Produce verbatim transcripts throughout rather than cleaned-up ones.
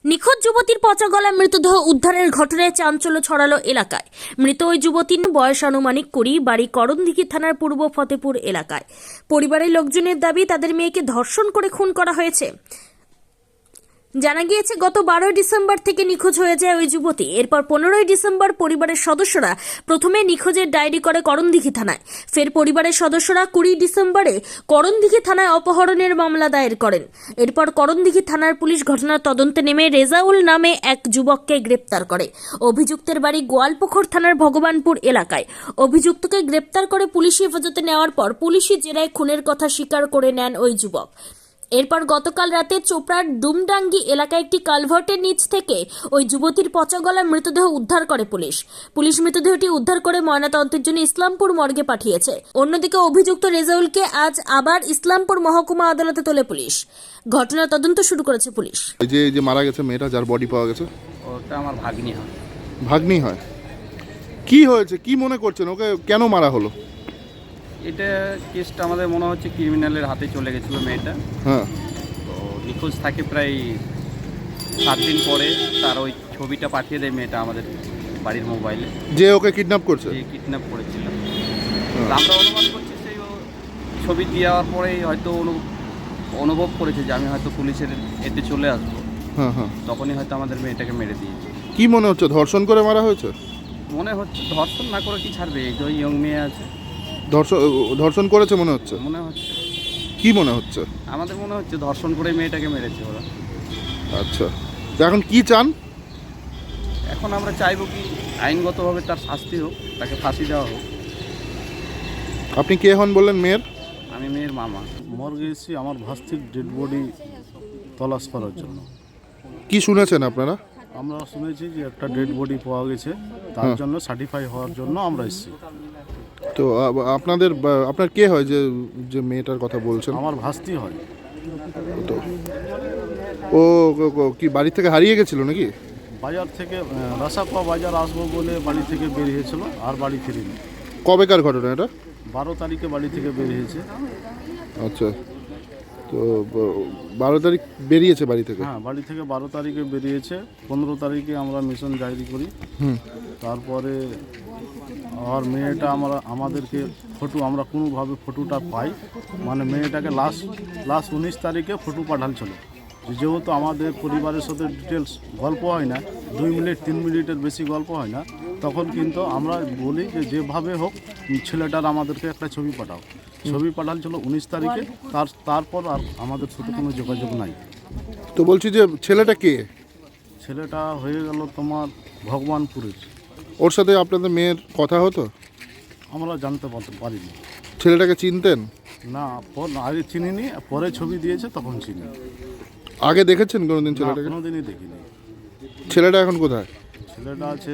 নিখোঁজ যুবতীর পচা গলা মৃতদেহ উদ্ধারের ঘটনায় চাঞ্চল্য ছড়ালো এলাকায়। মৃত ওই যুবতীর বয়স আনুমানিক কুড়ি, বাড়ি করণদিঘি থানার পূর্ব ফতেপুর এলাকায়। পরিবারের লোকজনের দাবি তাদের মেয়েকে ধর্ষণ করে খুন করা হয়েছে। জানা গিয়েছে গত বারোই ডিসেম্বর থেকে নিখোঁজ হয়ে যায় ওই যুবতী। এরপর পনেরোই ডিসেম্বর পরিবারের সদস্যরা প্রথমে নিখোঁজের ডায়েরি করে করণদিঘি থানায়। ফের পরিবারের সদস্যরা কুড়ি ডিসেম্বরে করণদিঘি থানায় অপহরণের মামলা দায়ের করেন। এরপর করণদিঘি থানার পুলিশ ঘটনার তদন্তে নেমে রেজাউল নামে এক যুবককে গ্রেপ্তার করে। অভিযুক্তের বাড়ি গোয়ালপুকুর থানার ভগবানপুর এলাকায়। অভিযুক্তকে গ্রেপ্তার করে পুলিশি হেফাজতে নেওয়ার পর পুলিশি জেরায় খুনের কথা স্বীকার করে নেন ওই যুবক। এরপর গতকাল রাতে চোপড়ার ডুমডাঙ্গি এলাকায় একটি কালভার্টের নিচ থেকে ওই যুবতীর পচা গলা মৃতদেহ উদ্ধার করে পুলিশ। পুলিশ মৃতদেহটি উদ্ধার করে ময়নাতদন্তের জন্য ইসলামপুর মর্গে পাঠিয়েছে। অন্যদিকে অভিযুক্ত রেজাউলকে আজ আবার ইসলামপুর মহকুমা আদালতে তোলে পুলিশ। ঘটনার তদন্ত শুরু করেছে পুলিশ। এই যে যে মারা গেছে মেয়েটা, যার বডি পাওয়া গেছে, ওটা আমার ভাগ্নি হয়। ভাগ্নি হয়? কি হয়েছে, কি মনে করছেন, ওকে কেন মারা হলো? এটা কেসটা আমাদের মনে হচ্ছে ক্রিমিনালের হাতে চলে গেছিলো মেয়েটা। হ্যাঁ, তো নিখোঁজ থাকে প্রায় সাত দিন পরে তার ওই ছবিটা পাঠিয়ে দেয় মেয়েটা আমাদের বাড়ির মোবাইলে, যে ওকে কিডন্যাপ করছে। যে কিডন্যাপ করেছিল। আমরা অনুমান করছি সেই ও ছবি দেওয়ার পরেই হয়তো অনু- অনুভব করেছে যে আমি হয়তো পুলিশের এতে চলে আসবো। হ্যাঁ হ্যাঁ, তখনই হয়তো আমাদের মেয়েটাকে মেরে দিয়েছে। কি মনে হচ্ছে, ধর্ষণ করে মারা হয়েছে? মনে হচ্ছে ধর্ষণ না করে কি ছাড়বে, এই যে ইয়ং মেয়ে আছে। ধর্ষণ ধর্ষণ করেছে মনে হচ্ছে। মনে হচ্ছে, কি মনে হচ্ছে? আমাদের মনে হচ্ছে ধর্ষণ করে মেয়েটাকে মেরেছে ওরা। আচ্ছা, তো এখন কি চান? এখন আমরা চাইবো কি আইনগতভাবে তার শাস্তি হোক, তাকে ফাঁসি দেওয়া হোক। আপনি কে হন বললেন? মেয়ের? আমি মেয়ের মামা। মর্গে এসেছি আমার ভাস্তির ডেড বডি তলাশ করার জন্য। কি শুনেছেন আপনারা? আমরা শুনেছি যে একটা ডেড বডি পাওয়া গেছে, তার জন্য সার্টিফাই হওয়ার জন্য আমরা এসেছি। তো আ- আপনাদের বা- আপনার কে হয় যে যে মেয়েটার কথা বলছেন? আমার ভাস্তি হয়। তো ও ও- ও কি বাড়ি থেকে হারিয়ে গেছিল নাকি? বাজার থেকে আহ, রাসাপা বাজার আসবো বলে বাড়ি থেকে বেরিয়েছিল, আর বাড়ি ফিরিনি। কবেকার ঘটনা এটা? বারো তারিখে বাড়ি থেকে বেরিয়েছে। আচ্ছা, তো ব- বারো তারিখ বেরিয়েছে বাড়ি থেকে? হ্যাঁ, বাড়ি থেকে বারো তারিখে বেরিয়েছে। পনেরো তারিখে আমরা মিশন ডায়েরি করি। হুম, তারপরে আর মেয়েটা আমরা আমাদেরকে ফটো আমরা কোনোভাবে ফটোটা পাই, মানে মেয়েটাকে লাস্ট লাস্ট উনিশ তারিখে ফটো পাঠাচ্ছিল। যেহেতু আমাদের পরিবারের সাথে ডিটেলস গল্প হয় না, দুই মিনিট তিন মিনিটের বেশি গল্প হয় না, তখন কিন্তু আমরা বলি যে যেভাবে হোক ছেলেটার আমাদেরকে একটা ছবি পাঠাও। ছবি পাঠাচ্ছিল উনিশ তারিখে, তার তারপর আর আমাদের সাথে কোনো যোগাযোগ নাই। তো বলছি যে ছেলেটা কে? ছেলেটা হয়ে গেল তোমার ভগবানপুরের। ওর সাথে আপনাদের মেয়ের কথা হতো? আমরা জানতে পারতে- পারিনি। ছেলেটাকে চিনতেন? না, পর- আগে চিনিনি, পরে ছবি দিয়েছে তখন চিনি। আগে দেখেছেন কোনোদিন না, ছেলেটাকে? কোনোদিনই দেখিনি। ছেলেটা এখন কোথায়? ছেলেটা আছে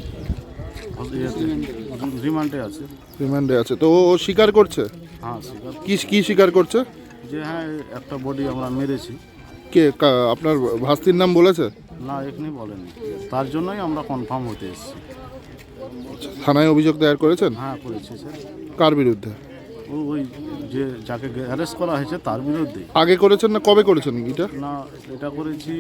ইয়েতে, রিমান্ডে আছে। রিমান্ডে আছে। তো ও ও স্বীকার করছে? হ্যাঁ, স্বীকার কি কি স্বীকার করছে? যে হ্যাঁ একটা বডি আমরা মেরেছি। কে কা- আপনার ভাস্তির নাম বলেছে? না, এখনই বলেনি, তার জন্যই আমরা কনফার্ম হতে এসেছি। থানায় অভিযোগ দায়ের করেছেন? হ্যাঁ, করেছি স্যার। কার বিরুদ্ধে? ও ওই যে যাকে অ্যারেস্ট করা হয়েছে তার বিরুদ্ধে। আগে করেছেন না কবে করেছেন এটা? না, এটা করেছি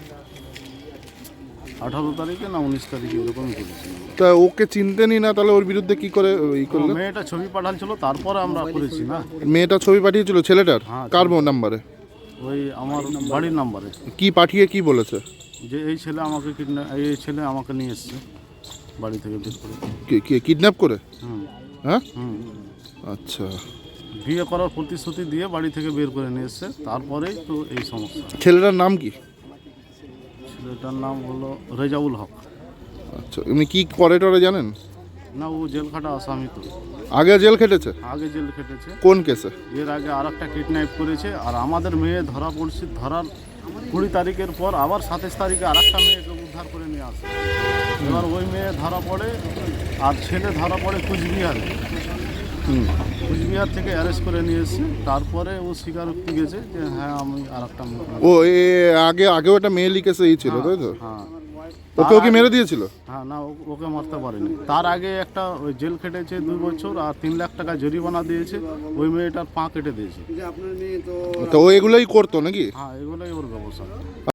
আঠারো তারিখে না উনিশ তারিখে, এরকমই করেছি। তা ওকে চিনতেনই না, তাহলে ওর বিরুদ্ধে কি করে ই ও করলেন? মেয়েটা ছবি পাঠাচ্ছিল, তারপরে আমরা করেছি না। মেয়েটা ছবি পাঠিয়েছিল ছেলেটার? হ্যাঁ, কার নাম্বারে? ওই আমার বাড়ির নাম্বারে, কি পাঠিয়ে কি বলেছে? যে এই ছেলে আমাকে কিডন্যাপ, এই ছেলে আমাকে নিয়ে এসছে বাড়ি থেকে বের করে। কি- কি কিডন্যাপ করে? হুম হ্যাঁ, হুম আচ্ছা। বিয়ে করার প্রতিশ্রুতি দিয়ে বাড়ি থেকে বের করে নিয়ে এসছে, তারপরেই তো এই সমস্যা। ছেলেটার নাম কি? ছেলেটার নাম হলো রেজাউল হক। আচ্ছা, এমনি কি করে টরে জানেন? না, ও জেল খাটা আসামি তো। আগে জেল খেটেছে? আগে জেল খেটেছে। কোন কেসে? এর আগে আর একটা কিডন্যাপ করেছে, আর আমাদের মেয়ে ধরা পড়ছে। ধরার কুড়ি তারিখের পর আবার সাতাশ তারিখে আর একটা মেয়েকে উদ্ধার করে নিয়ে আসে। এবার ওই মেয়ে ধরা পড়ে, আর ছেলে ধরা পড়ে কুচবিহারে। হুম, কুচবিহার থেকে অ্যারেস্ট করে নিয়ে এসেছে। তারপরে ও স্বীকারোক্তি গেছে যে হ্যাঁ আমি আর একটা মেয়ে। ও এ আগে আগেও একটা মেয়েলি কেসে ই ছিল, তাই তো? হ্যাঁ ওকেও কি মেরে দিয়েছিল? হ্যাঁ, না, ও- ওকে মারতে পারেনি। তার আগে একটা ওই জেল খেটেছে দুই বছর, আর তিন লাখ টাকা জরিমানা দিয়েছে। ওই মেয়েটার পা কেটে দিয়েছে। তো ও এগুলোই করতো নাকি? হ্যাঁ, এগুলোই ওর ব্যবসা।